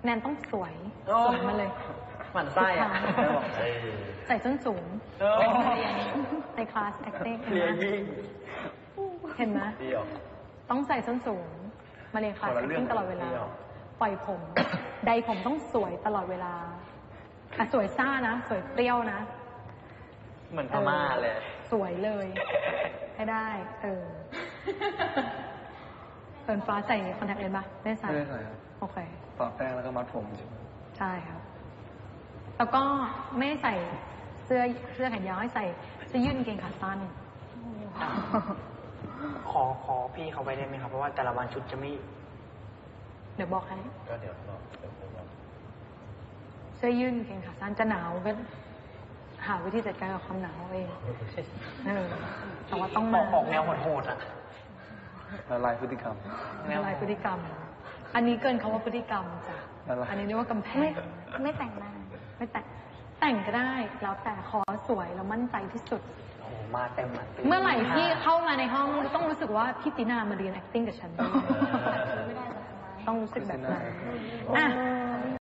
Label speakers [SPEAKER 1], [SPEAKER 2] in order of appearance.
[SPEAKER 1] แนนต้องสวยมาเลย
[SPEAKER 2] หมั่นไส้อะ
[SPEAKER 1] ใส่ส้นสูงในคลาส acting เห็นไหมต้องใส่ส้นสูงมาเรียนคลาส acting ตลอดเวลาปล่อยผมใดผมต้องสวยตลอดเวลาสวยซ่านะสวยเปรี้ยวนะ
[SPEAKER 2] เหมือนพม่าเลย
[SPEAKER 1] สวยเลยให้ได้เฟิร์นฟ้าใส่คอนแทคเลนส์ปะไม่ใส่
[SPEAKER 3] ครับ
[SPEAKER 1] โอเค
[SPEAKER 3] ต่อแป้งแล้วก็มัดผม
[SPEAKER 1] ใช่ครับแล้วก็ไม่ใส่เสื้อแขนยาวให้ใส่เสื้อยืดกางเกงขาสั้น
[SPEAKER 2] ขอพี่เขาไปได้ไหมครับเพราะว่าแต่ละวันชุดจะไม่
[SPEAKER 1] เดี๋ยวบอกให้
[SPEAKER 3] ก็เดี๋ยว
[SPEAKER 1] เสื้อยืดกางเกงขาสั้นจะหนาวก็หาวิธีจัดการกับความหนาวเองแต่ว่าต้องมา
[SPEAKER 2] ออกแนวโหดๆอ่ะ
[SPEAKER 3] ละลายพฤติกรรม
[SPEAKER 1] ละลายพฤติกรรมอันนี้เกินคำว่าพฤติกรรมจ้ะอันนี้เรียกว่ากำแพง
[SPEAKER 4] ไม่แต่งหน้า
[SPEAKER 1] ไม่แต่งก็ได้แล้วแต่ขอสวยแล้วมั่นใจที่สุด
[SPEAKER 2] โอ้มาเต็ม
[SPEAKER 1] เมื่อไหร่ที่เข้ามาในห้องต้องรู้สึกว่าพี่ตินามาเรียน acting กับฉันต้องรู้สึกแบบนั้น